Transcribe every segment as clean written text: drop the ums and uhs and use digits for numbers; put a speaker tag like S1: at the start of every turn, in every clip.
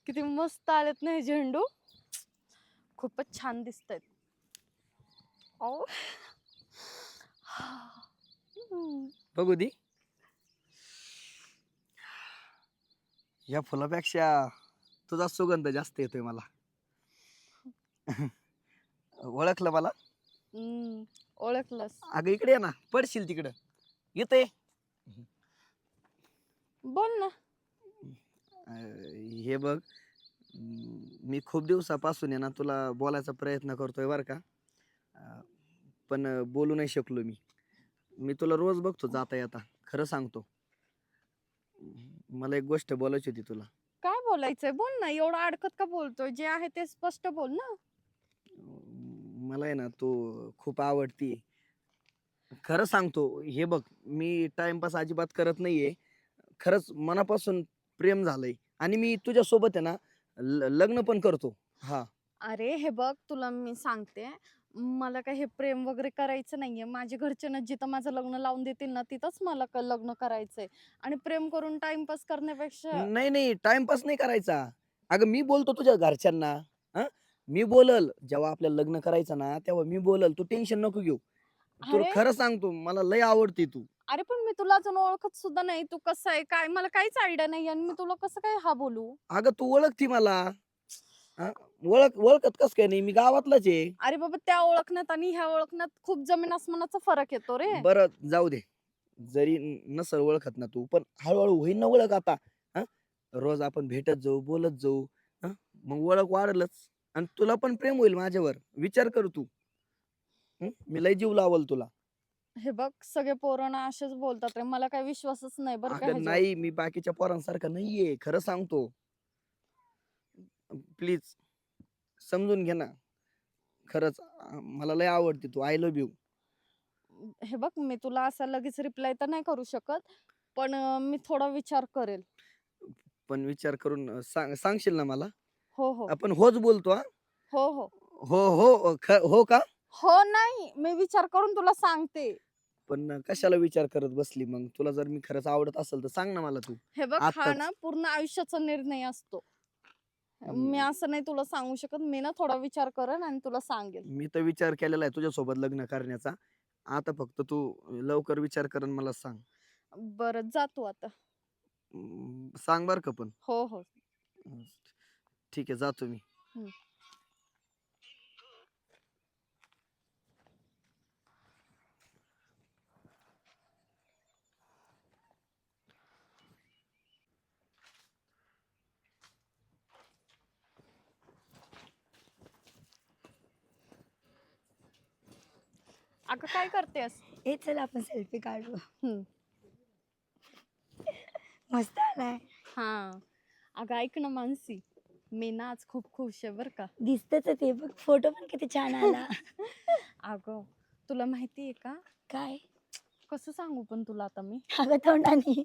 S1: किती मस्त आलेत ना हे झेंडू. खूपच छान दिसतायत. ओ हम्म.
S2: बघू दे. या फुलापेक्षा तुझा सुगंध जास्त येतोय मला. ओळखलं मला?
S1: हम्म, ओळखलंस.
S2: अगं इकडे ये ना, पडशील तिकडं. येते.
S1: बोल ना.
S2: हे बघ, मी खूप दिवसापासून आहे ना तुला बोलायचा प्रयत्न करतोय बरं का. पण बोलू नाही शकलो मी. मी तुला रोज बघतो जाता येता. खरं सांगतो. मला एक गोष्ट बोलायची होती तुला.
S1: काय बोलायचंय बोल ना. एवढं अडकत का बोलतोय? जे आहे ते स्पष्ट बोल ना.
S2: मला आहे ना तू खूप आवडती. खरं सांगतो. हे बघ, मी टाइमपास अजिबात करत नाहीये. खरंच मनापासून प्रेम झालंय आणि मी तुझ्यासोबत आहे ना लग्न पण करतो. हां.
S1: अरे हे बघ, तुला मी सांगते, मला काही हे प्रेम वगैरे करायचं नाहीये. माझ्या घरचे ना जिथं माझं लग्न लावून देतील ना तिथंच मला लग्न करायचंय. आणि प्रेम करून टाइमपास करण्यापेक्षा
S2: नाही, नाही टाईमपास नाही करायचा. अगं मी बोलतो तुझ्या घरच्यांना. हां. मी बोलल जेव्हा आपल्याला लग्न करायचं ना, तेव्हा मी बोलल. तू टेन्शन नको घेऊ. तुला
S1: अरे
S2: खरं सांगतो मला लय आवडते तू.
S1: अरे पण मी तुला अजून ओळखत सुद्धा नाही. तू कसा आहे काय मला काहीच आयडिया नाही आणि मी तुला कसं काय हा बोलू.
S2: अगं तू ओळखती मला. हां. ओळखत कसं काय नाही? मी गावातलाच आहे.
S1: अरे बाबा, त्या ओळखण्यात आणि ह्या ओळखण्यात खूप जमीन आसमानाचा फरक येतो रे.
S2: बरं जाऊ दे. जरी नसेल ओळखत ना तू, पण हळू होईन ना ओळख आता. हां. रोज आपण भेटत जाऊ, बोलत जाऊ. हां. मग ओळख वाढेलच आणि तुला पण प्रेम होईल माझ्यावर. विचार कर तू. हं. मी लय जीव लावल तुला.
S1: हे बघ, सगळे पोरं ना असेच बोलतात रे. मला काही विश्वासच नाही बरं का
S2: अगं
S1: ह्याच्यावर.
S2: नाही, मी बाकीच्या पोरांसारखा नाहीये. खरं सांगतो. प्लीज समजून घे ना. खरंच मला लय आवडते तू. I love you.
S1: हे बघ, मी तुला असा लगेच रिप्लाय तर नाही करू शकत. पण मी थोडा विचार करेल.
S2: पण विचार करून सांगशील ना मला?
S1: हो, हो.
S2: आपण होच बोलतो हां.
S1: हो, हो.
S2: हो, हो. हो का?
S1: हो नाही, मी विचार करून तुला सांगते.
S2: पण कशाला विचार करत बसली मग? तुला जर मी खरंच आवडत असेल तर सांग ना मला तू.
S1: हे बघ, हा ना
S2: आत्ताच.
S1: पूर्ण आयुष्याचा निर्णय असतो. मी
S2: अं,
S1: असं नाही तुला सांगू शकत. मी ना थोडा विचार करेन आणि तुला सांगेल.
S2: मी तर विचार केलेला आहे तुझ्यासोबत लग्न करण्याचा. आता फक्त तू लवकर विचार कर आणि मला सांग.
S1: बरं, जा तू आता.
S2: सांग बरं का पण.
S1: हो, हो.
S2: अं, ठीक आहे जातो मी.
S1: हं. अगं काय करतेस?
S3: हे चल आपण सेल्फी काढू.
S1: हं.
S3: मस्त आलाय.
S1: हां. अगं ऐक ना मानसी, मी ना आज खूप खुश आहे बरं का.
S3: दिसतच ते बघ, फोटो पण किती छान आला.
S1: अगं, तुला माहिती आहे का?
S3: काय?
S1: कसं सांगू पण तुला आता मी?
S3: अगं तोंडानी.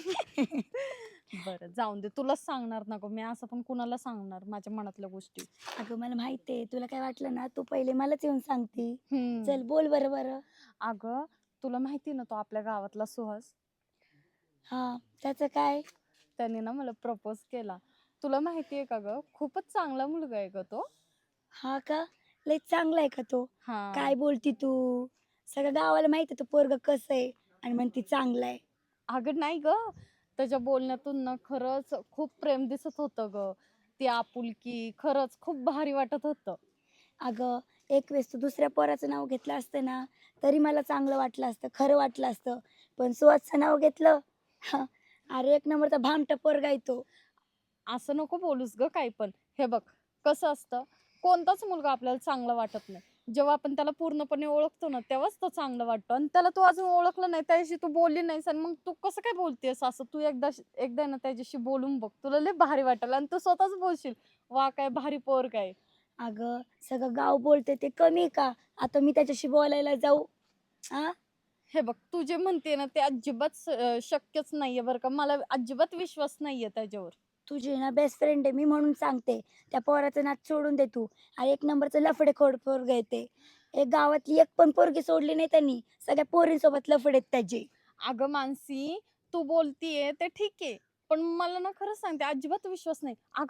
S1: बरं जाऊन दे. तुलाच सांगणार ना गं. मी असं पण कुणाला सांगणार माझ्या मनातल्या गोष्टी.
S3: अगं मला माहिती आहे, तुला काय वाटलं ना, तू पहिले मलाच येऊन सांगती.
S1: हं.
S3: चल बोल बरं बरं.
S1: अगं, तुला माहिती आहे ना तो आपल्या गावातला सुहास?
S3: हां, त्याचं काय?
S1: त्याने ना मला प्रपोज केला. तुला माहिती आहे का गं? खूपच चांगला मुलगा आहे गं तो.
S3: हा का? लय चांगला आहे का तो?
S1: हां.
S3: काय बोलती तू? सगळ्या गावाला माहिती आहे तो पोरगं कसं आहे आणि म्हणती चांगला आहे.
S1: अगं नाही गं. त्याच्या बोलण्यातून ना खरंच खूप प्रेम दिसत होतं गं. ती आपुलकी खरंच खूप भारी वाटत होतं.
S3: अगं, एक वेळेस तू दुसऱ्या पोराचं नाव घेतलं असतं ना, तरी मला चांगलं वाटलं असतं, खरं वाटलं असतं. पण सुहासचं नाव घेतलं, हं, अरे एक नंबरचा भामटा पोरगा आहे तो.
S1: असं नको बोलूस गं काही पण. हे बघ, कसं असतं, कोणताच मुलगा आपल्याला चांगला वाटत नाही. जेव्हा आपण त्याला पूर्णपणे ओळखतो ना, तेव्हाच तो चांगला वाटतो आणि त्याला तू अजून ओळखलं नाही, त्याच्याशी तू बोलली नाहीस आणि मग तू कसं काय बोलतेस असं? तू एकदा ना त्याच्याशी बोलून बघ. तुला लय भारी वाटेल आणि तू स्वतःच बोलशील, "वाह! काय भारी पोरगा आहे."
S3: अगं, सगळं गाव बोलते ते कमी आहे का? आता मी त्याच्याशी बोलायला जाऊ, हां?
S1: हे बघ, तू जे म्हणते ना, ते अजिबात शक्यच नाहीये बरं का. मला अजिबात विश्वास नाहीये त्याच्यावर.
S3: तुझी ना बेस्ट फ्रेंड आहे मी म्हणून सांगते. त्या पोराचं नाद सोडून दे तू. आणि एक नंबरचं लफडेखोर पोरगं आहे ते. एक गावातली एक पण पोरगी सोडली नाही त्यांनी. सगळ्या पोरींसोबत लफडे आहेत त्याचे.
S1: अगं मानसी, तू बोलतीये ते ठीक आहे. पण मला ना खरंच सांगते अजिबात विश्वास नाही. अगं,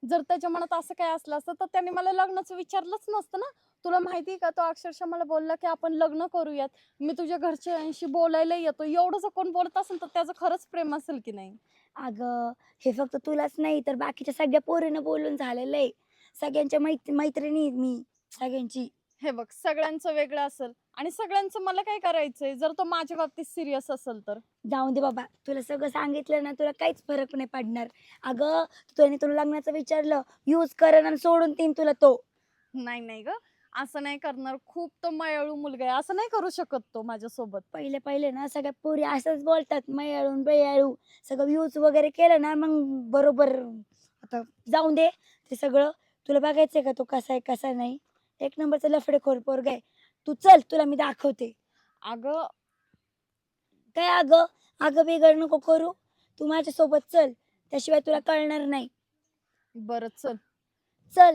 S1: जर त्याच्या मनात असं काय असलं असतं तर त्याने मला लग्नाचं विचारलंच नसतं ना. तुला माहिती का, तो अक्षरशः मला बोलला की आपण लग्न करूयात, मी तुझ्या घरच्यांशी बोलायला येतो. एवढं जर कोण बोलत असेल तर त्याचं खरंच प्रेम असेल की नाही.
S3: अगं हे फक्त तुलाच नाही तर बाकीच्या सगळ्या पोरीनं बोलून झालेलं आहे. सगळ्यांच्या मैत्रिणी आहेत मी सगळ्यांची.
S1: हे बघ, सगळ्यांचं वेगळं असेल आणि सगळ्यांचं मला काय करायचंय जर तो माझ्या बाबतीत सिरियस असेल तर.
S3: जाऊन दे बाबा, तुला सगळं सांगितलं ना तुला काहीच फरक नाही पडणार. अगं त्याने तुला लग्नाचं विचारलं, यूज करण आणि सोडून देईन तुला तो.
S1: नाही नाही ग, असं नाही करणार. खूप तो मायाळू मुलगा आहे, असं नाही करू शकत तो माझ्यासोबत.
S3: पहिले पहिले ना सगळ्या पोरी असंच बोलतात, मयाळू बेयाळू सगळं यूज वगैरे केलं ना मग बरोबर. आता जाऊन दे ते सगळं. तुला बघायचंय का तो कसा आहे कसा नाही. एक नंबरचा लफडेखोर पोरगा आहे. तू चल तुला मी दाखवते.
S1: अगं
S3: काय अगं अगं बिगड नको करू. तू माझ्या सोबत चल, त्याशिवाय तुला कळणार नाही.
S1: बरं चल.
S3: चल.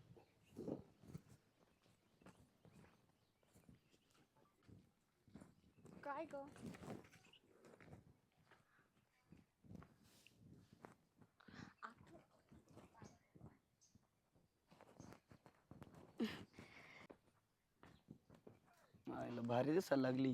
S1: काय ग,
S2: आईला भारी दिसायला लागली.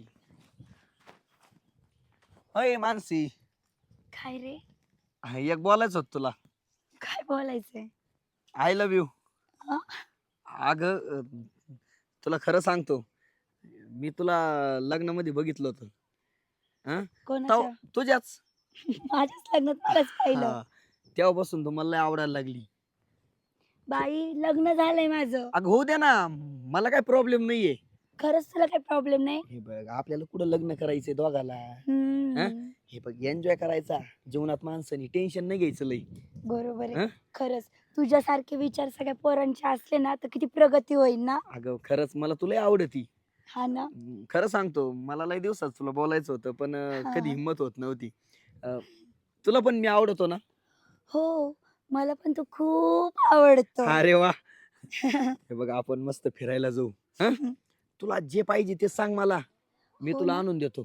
S2: अय मानसी,
S3: काय रे,
S2: एक बोलायचं होत तुला.
S3: काय बोलायचंय?
S2: I love you.
S3: हा?
S2: अग तुला खरं सांगतो, मी तुला लग्नामध्ये बघितलं होतं.
S3: कोणाच्या?
S2: तुझ्याच.
S3: माझ्याच लग्नात मलाच पाहिलं.
S2: हा. तेव्हापासून तू मला लय आवडायला लागली.
S3: बाई लग्न झालंय माझं.
S2: अगं होऊ दे ना, मला काय प्रॉब्लेम नाहीये.
S3: खरंच तुला काही प्रॉब्लेम नाही?
S2: हे बघ, आपल्याला कुठं लग्न करायचंय दोघाला.
S3: हम्म.
S2: हे बघ, एन्जॉय करायचा जीवनात. माणसाने टेन्शन नाही घ्यायचं लय.
S3: बरोबर
S2: हं?
S3: आहे. खरंच तुझ्यासारखे विचार सगळ्या पोरांचे असले ना तर किती प्रगती होईल ना.
S2: अगं खरंच मला तुला आवडती.
S3: हा ना.
S2: खरं सांगतो, मला लय दिवसात तुला बोलायचं होतं पण
S3: हा.
S2: कधी हिंमत होत नव्हती. तुला पण मी आवडतो ना?
S3: हो, मला पण तू खूप आवडतो.
S2: अरे वा. हे बघ, आपण मस्त फिरायला जाऊ. हं? तुला जे पाहिजे ते सांग मला, मी
S3: हो
S2: तुला
S3: ना.
S2: आणून देतो.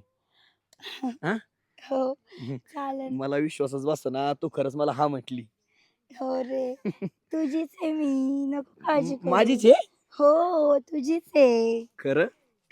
S3: हो चालेल.
S2: मला विश्वासच बसतो ना, तू खरंच मला हा म्हटली.
S3: हो रे, तुझीच आहे मी, नको काळजी करू.
S2: माझीच आहे
S3: हो तुझीच आहे.
S2: खरं.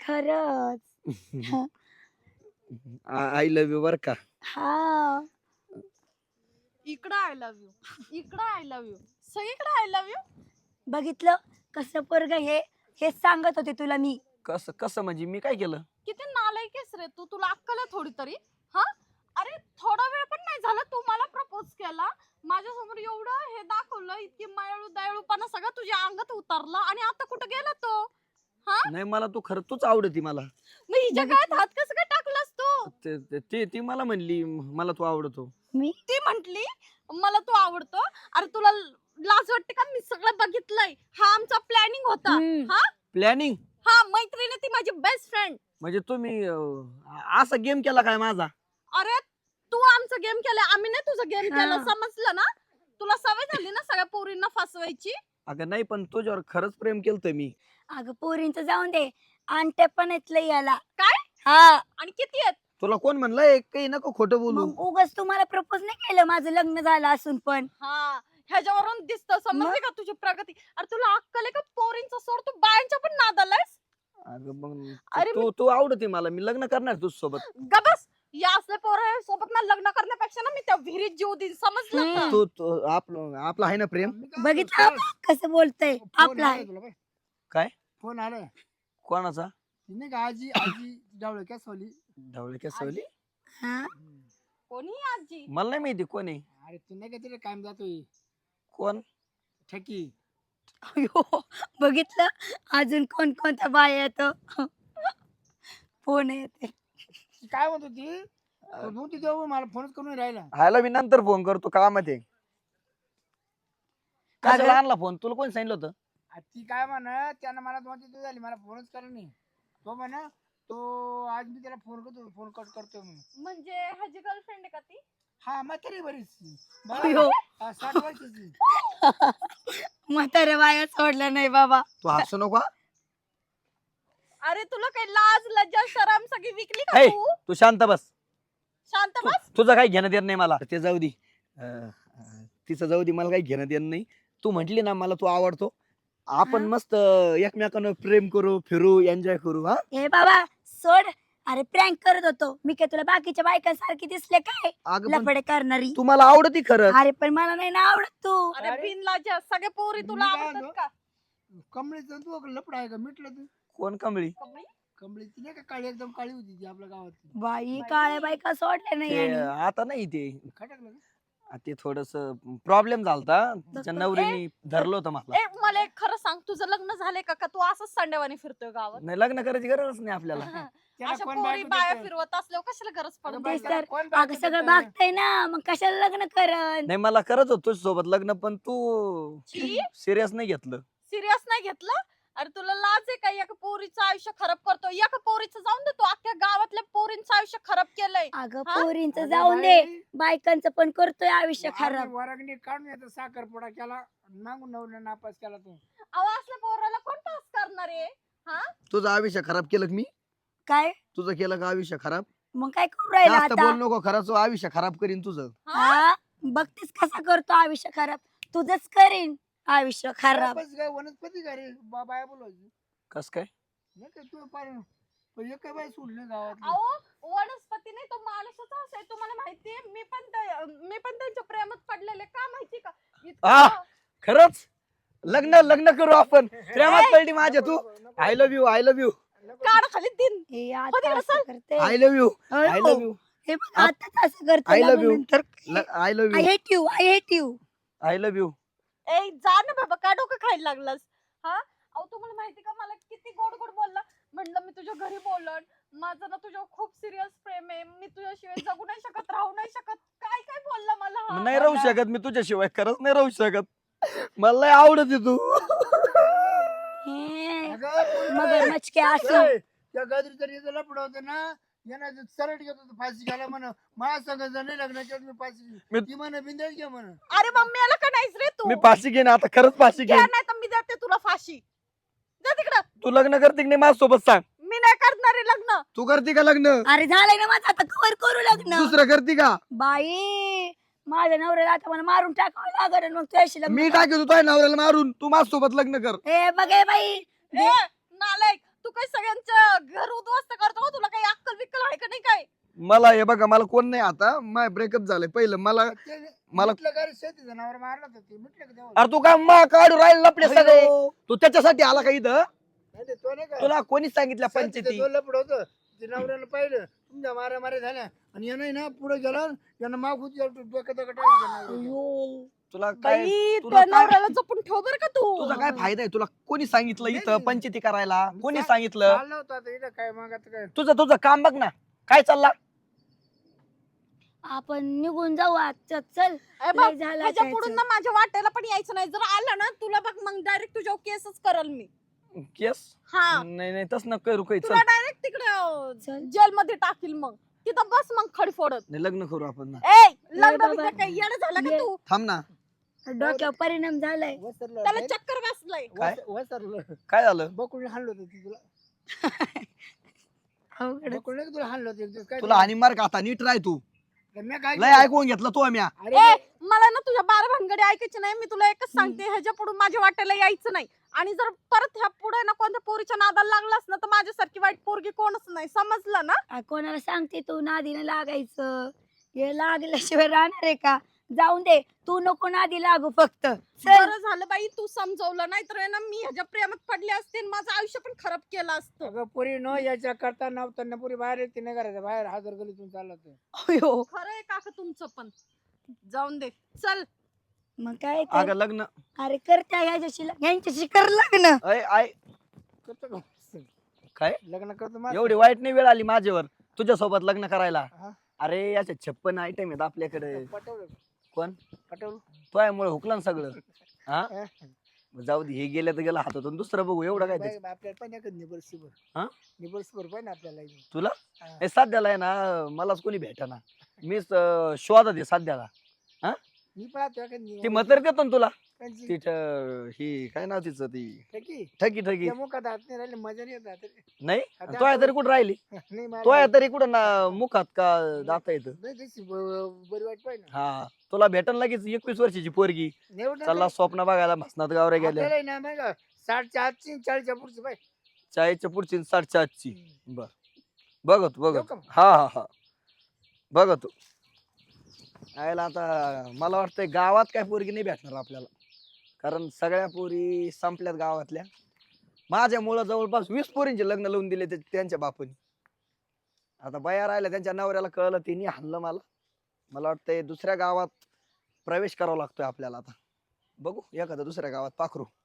S3: खरंच.
S2: आय लव्ह यू बर का.
S3: हा.
S1: इकडं आय लव्ह यू, इकडं आय लव्ह यू, सगळीकडे आय लव्ह यू.
S3: बघितलं कसं पोरग हे, हेच सांगत होते तुला मी.
S2: कसं कसं म्हणजे मी काय केलं?
S1: किती नालायक आहेस रे तू, तुला अक्कल आहे थोडी तरी? हा, अरे थोडा वेळ पण नाही झाला तू मला प्रपोज केला, माझ्यासमोर एवढं हे दाखवलं, इतकी मायाळू दयाळूपणा सगळं तुझ्या अंगात उतरला आणि आता कुठं गेला तो?
S2: नाही, मला तू खरं तूच आवडती मला.
S1: मग हिच्या काळात हात कसं काय टाकलास तू?
S2: ती मला म्हणली मला तू आवडतो.
S3: मी
S1: ती म्हंटली मला तू आवडतो. अरे तुला लाज वाटते का? मी सगळं बघितलंय, हा आमचा प्लॅनिंग होता.
S3: हम्म.
S1: हा
S2: प्लॅनिंग
S1: हा, मैत्रीण ती माझी बेस्ट फ्रेंड.
S2: म्हणजे तुम्ही असा गेम केला काय माझा?
S1: अरे तू आमचा गेम केलाय, आम्ही नाही तुझा गेम
S3: हा.
S1: केला, समजलं ना? तुला सवय झाली ना सगळ्या पोरींना फसवायची.
S2: अगं नाही, पण तुझ्यावर खरंच प्रेम केलतं मी.
S3: अगं पोरींच जाऊन दे, आणते पण येतलं याला.
S1: काय?
S3: हा.
S1: आणि किती आहेत?
S2: तुला कोण म्हणलंय? काही नको खोटं बोलू.
S3: मग उगाच तुम्हाला प्रपोज नाही केलं माझं लग्न झालं असून पण.
S1: हा, ह्याच्यावरून दिसतं, समजली
S3: मग?
S1: का तुझी प्रगती? अरे तुला अक्कल आहे का? पोरींचा सोड, तू बायांच्या पण नादालायस.
S2: अगं मग
S1: अरे
S2: तू आवडते मला, मी लग्न करणार तुझ सोबत.
S1: गबस, या असल्या पोरा सोबत ना लग्न करण्यापेक्षा ना मी त्या विहिरीत जीव देईन, समजलं का?
S2: तू आपलं आपलं आहे ना प्रेम?
S3: बघितलं कसं बोलतय आपला आहे.
S2: काय?
S4: फोन आला.
S2: कोणाचा?
S4: नाही का आजी आजी डावळे काय सोली.
S2: ढवळे केसवली?
S3: हा?
S1: कोणी आजी?
S2: मला नाही माहिती कोण आहे.
S4: अरे तू नाही का तिथे कायम जातोय
S2: कोण?
S4: ठकी.
S3: अयो, बघितलं अजून कोण कोणत्या बाया येतो. फोन येते.
S4: ती काय म्हणत होती? तू तिथे मला फोनच करून राहिला.
S2: ह्याला मी नंतर फोन करतो, कामात आहे.
S3: का
S2: कशाला
S3: ग?
S2: आणला फोन? तुला कोण सांगितलं होतं?
S4: ती काय म्हणा त्यानं मला 2-3 दिवस झाली मला फोनच करत नाही. तो म्हणा तो आज मी त्याला फोन करतो, फोन कट करतो म्हणून.
S1: म्हणजे ह्याची गर्लफ्रेंड आहे का ती?
S4: हा म्हातारी बरीच.
S3: अयो.
S4: 60 वर्षाची.
S3: म्हाताऱ्या बाया सोडल्या नाही बाबा.
S2: तू हसू नको हा.
S1: अरे तुला काही लाज लज्जा शरम सगळी विकली का
S2: हे.
S1: तू?
S2: तू शांत बस.
S1: शांत बस.
S2: तुझं काही घेणं देणं नाही मला. ते जाऊ दे. तिचं जाऊ दे, मला काही घेणं देणं नाही. तू म्हंटली ना मला तू आवडतो, आपण
S3: हा?
S2: मस्त एकमेकांवर प्रेम करू, फिरू, एन्जॉय करू. हा
S3: हे बाबा सोड. अरे प्रँक करत होतो मी, काय तुला बाकीच्या बायकांसारखी दिसले काय
S2: अगं पण
S3: लफडे करणारी?
S2: तुम्हाला आवडती खरंच.
S3: अरे पण मला नाही ना आवडत तू.
S1: अरे
S4: अरे,
S1: बिनलाजा सगळ्या पोरी तुला
S4: मी काय
S1: आवडतात
S4: म्हणतो?
S1: का?
S4: कमळीचं तू लपड आहे का मिटलं तू?
S2: कोण कमळी?
S1: कमळी?
S4: कमळी ती नाही का काळी एकदम काळी होती ती आपल्या गावात
S3: बाई काळ्या बायका सोडल्या नाही
S2: ते
S3: यांनी.
S2: आता नाही ते
S4: खटकलं का?
S2: ते थोडस प्रॉब्लेम झालता, तिच्या
S3: ए,
S2: नवरीने धरलं होतं मला.
S1: ए मला एक खरं सांग, तुझं लग्न झालंय का? का तू असंच संडेवानी फिरतोय गावात?
S2: नाही, लग्न करायची गरजच नाही आपल्याला.
S4: त्याला
S1: अशा
S4: कोण
S1: पोरी
S4: बायको
S1: बाया
S4: देतं?
S1: फिरवत असल्यावर कशाला गरज
S4: अगं
S1: पडत
S4: बाई,
S3: तेच
S1: नाही?
S4: त्याला
S3: तर.
S4: कोण बायको
S3: अगं सगळं
S4: देतं?
S3: भागतय ना, मग कशाला लग्न करन?
S2: नाही, मला करत होतो सोबत लग्न, पण तू
S1: छी?
S2: सिरियस नाही घेतलं.
S1: सिरियस नाही घेतलं? अरे तुला लाज आहे का? एका पोरीचं आयुष्य खराब करतो. एका पोरीचं जाऊन दे, तू अख्ख्या गावातल्या पोरींचं आयुष्य खराब केलंय.
S3: अगं
S1: हा?
S3: पोरींच
S4: अगं
S3: जाऊन दे,
S4: बाई,
S3: बायकांचं पण करतोय आयुष्य
S4: आम्ही
S3: खराब.
S4: वरागणी काढून येतो साखरपुडा केला मागून नवऱ्यानं नापास केला तू.
S1: अहो असल्या पोराला कोण पास करणार आहे?
S2: तुझं आयुष्य खराब केलं का मी?
S3: काय
S2: तुझं केलं का आयुष्य खराब?
S3: मग काय करू राहिला
S2: जास्त
S3: आता?
S2: बोल नको, खरंच आयुष्य खराब करीन तुझं.
S3: हा बघतेस कसा करतो आयुष्य खराब. तुझंच करीन आयुष्य खराब.
S4: बस काय वनस्पती का रे बाया बोलायची
S2: कस काय?
S4: नाही काय तू पार पण एक काय बाई सोडली गावात.
S1: अहो वनस्पती नाही, तो माणूसच असा आहे. तुम्हाला माहितीये, मी पण त्यांच्या प्रेमात पडलेले. का माहिती का?
S2: आ!
S1: इतकं-
S2: खरंच लग्न करू आपण. प्रेमात पडली माझ्या तू. I love you, I love you,
S1: काढ खाली दिन.
S3: हे
S1: हो
S3: आता
S1: तिकडं
S3: असं
S1: चल.
S3: करते.
S2: आय लव्ह यू, आय
S3: अहो,
S2: लव्ह यू,
S3: हे बघ आताच असं करतो
S2: I love you.
S3: लग्नानंतर.
S2: I love
S3: I
S2: you,
S3: hate you, I hate you.
S2: I love you.
S1: ए जा ना बाबा, का डोकं खायला लागलास? हा अहो तुम्हाला माहिती का, मला किती गोड गोड बोलला. म्हणलं मी तुझ्या घरी बोलन, माझं ना तुझ्यावर खूप सिरियस प्रेम आहे, मी तुझ्याशिवाय जगू नाही शकत, राहू नाही शकत. काय काय बोलला मला हा?
S2: नाही राहू शकत मी तुझ्याशिवाय, खरंच नाही राहू शकत. मला लय आवडते तू.
S3: मगर मचके असं.
S4: त्या गजरी तरी लपड होत ना यांना सरळ घेत होतो फाशी घ्यायला म्हण माझ्या संग जर नाही लग्नाच्या मी फाशी
S2: मी-
S4: ती म्हण बिंदल घ्या म्हण.
S1: अरे मम्मी आला का नाहीस रे तू?
S2: मी फाशी घेईन आता, खरंच फाशी
S1: घ्या
S2: घेईन.
S1: नाही तर मी देते तुला फाशी. जा तिकडं.
S2: तू लग्न करते की नाही माझ्यासोबत सांग.
S1: मी नाही करणार आहे लग्न.
S2: तू करते का लग्न?
S3: अरे झालंय ना माझं, आता कवर करू लग्न.
S2: दुसरं करते का?
S3: बाई माझ्या नवऱ्याला आता मला मारून टाकावं लागेल मग तुझ्याशी लग्न
S2: मी
S3: कर.
S2: टाकतो तुझ्या नवऱ्याला मारून, तू माझ्यासोबत लग्न कर.
S3: ए बघ ए बाई.
S1: ए नालायक, तू काय सगळ्यांचं घर उद्ध्वस्त करतो का? तुला काही अक्कल बिक्कल आहे का नाही काय?
S2: मला हे बघा, मला कोण नाही आता, माय ब्रेकअप झालंय पहिलं. मला मला-
S4: मिटलं का रे शेती जनावर मारलं तर ते मिटलं का तेव्हा?
S2: अरे तू काय मा काढू राहील लपडे सगळे?
S3: अयो.
S2: तू त्याच्यासाठी आला का इथं?
S4: नाही ते तो नाही का
S2: तुला कोणी सांगितलं
S4: शेतीचं
S2: पंचायती?
S4: तो लपड होतं ते नवऱ्याला पाहिलं तुमच्या माऱ्या झाल्या आणि यानं ना पुढे गेला यानं माग होती डोक्यात
S3: अयो.
S2: तुला काय,
S1: बाई
S2: तुला
S1: त्या
S2: काय-
S1: नवऱ्याला जपून ठेव बर का तू.
S2: तुझा काय फायदा आहे? तुला कोणी सांगितलं
S4: नाही,
S2: इथं
S4: नाही.
S2: पंचायती करायला? कोणी
S4: चा-
S2: सांगितलं?
S4: चाललं होतं आता इथं काय मग आता काय
S2: तुझं काम बघ ना, काय चालला?
S3: आपण निघून जाऊ आजच्या चल.
S1: ए बघ,
S3: लय झालं
S1: ह्याच्या
S3: त्याचं.
S1: पुढून ना माझ्या वाट्याला पण यायचं नाही. जर आलं ना तुला बघ मग डायरेक्ट तुझ्यावर केसच करल मी.
S2: केस?
S1: हा
S2: नाही नाही, तस न करू काही.
S1: तुला
S2: चल,
S1: डायरेक्ट तिकडे
S3: चल.
S1: जेल मध्ये टाकील. मग तिथं बस मग खडी फोडत.
S2: नाही, लग्न करू आपण ना.
S1: ए लग्न
S3: बाबा.
S1: बिग्न काय येणं झालं का
S3: ये.
S1: तू?
S2: थांब ना.
S3: डोक्यावर परिणाम झालाय.
S4: वसरलं
S1: त्याला
S4: नाही?
S1: चक्कर बसलंय.
S2: काय?
S4: वसरलं
S2: काय झालं?
S4: बकुळी हाणलं होतं ती तुला
S3: अवघड.
S4: बकुळी नाही का तुला हाणलं होतं एक दिवस काय
S2: तुला हानी मार का आता? नीट राह तू.
S4: मी काय
S2: लय
S4: केलं?
S2: ऐकून घेतलं तू आम्ही.
S4: अरे
S1: ए मला ना तुझ्या बारा भानगडी ऐकायची नाही. मी तुला एकच सांगते, ह्याच्या पुढे माझ्या वाट्याला यायचं नाही. आणि जर परत ह्या पुढे ना कोणत्या पोरीच्या नादाला लागलास ना तर माझ्यासारखी वाईट पोरगी कोणच नाही, समजलं ना?
S3: कोणाला सांगते तू नादीनं लागायचं? हे लागल्याशिवाय राहणार आहे का? जाऊन दे, तू नको नादी लागू फक्त. चल.
S1: बरं झालं बाई तू समजवलं, नाही तर ना मी ह्याच्या प्रेमात पडले असते आणि माझं आयुष्य पण खराब केलं असतं.
S4: अगं पुरी न याच्या करता नव्हताना पुरी बाहेर येते नाही करायचं बाहेर हजर गलीतून चाललं ते
S3: अयो.
S1: खरं आहे काका तुमचं पण. जाऊन दे चल.
S3: मग काय तर.
S2: अगं लग्न
S3: अरे करत्या ह्यांच्याशी कर लग्न.
S2: आय
S4: करतो का?
S2: काय?
S4: लग्न करतो माझं.
S2: एवढी वाईट नाही वेळ आली माझ्यावर तुझ्यासोबत लग्न करायला.
S4: हा.
S2: अरे याचे 56 आयटम आहेत आपल्याकडे.
S4: पटवलं
S2: कोण?
S4: पटवलं
S2: तो यामुळे हुकलं ना सगळं. हा,
S4: हा.
S2: जाऊ दे, हे गेलं तर गेलं हातातून, दुसरं बघू. एवढं काय त्याचं?
S4: बाई, आपल्याला पण एक निबर्सीवर
S2: हा?
S4: निबर्सीवर पण आपल्याला इथे.
S2: तुला
S4: हा.
S2: हे सध्याला आहे ना, मलाच कोणी भेटाना. मीच शोधात आहे सध्याला. हा,
S4: मी पाहतो एखादी
S2: ती म्हातारी देतो ना तुला
S4: कोणची?
S2: ती ही काय नाव तिचं ती
S4: ठकी?
S2: ठकी ठकी
S4: त्या मुखात हात नाही राहिले मजा नाही येत हातात.
S2: नाही
S4: आता
S2: तो तरी कुठं राहिली
S4: नाही मला
S2: तो तरी कुठं ना मुखात का जाता येतं
S4: नाही, तशी बरी वाट पाहिजे ना.
S2: हा तुला भेटन लगेच 21 वर्षाची पोरगी
S4: नाही उलट
S2: चला स्वप्न बघायला भसनात गावऱ्या गेल्या
S4: आपल्याला आहे ना नाही का 60च्या 40च्या पुढची बाई.
S2: 40च्या पुढची 60ची बर बघतो
S4: येऊ का?
S2: हा हा हा बघतो आयला आता मला वाटतंय गावात काय पोरगी नाही भेटणार आपल्याला कारण सगळ्या पोरी संपल्यात गावातल्या माझ्यामुळं जवळपास 20 पोरींचे लग्न लावून दिले त्यांच्या बापानी आता बाया राहिल्या त्यांच्या नवऱ्याला कळलं तिने हाणलं मला वाटतंय दुसऱ्या गावात प्रवेश करावा लागतोय आपल्याला आता बघू एखाद्या दुसऱ्या गावात पाखरू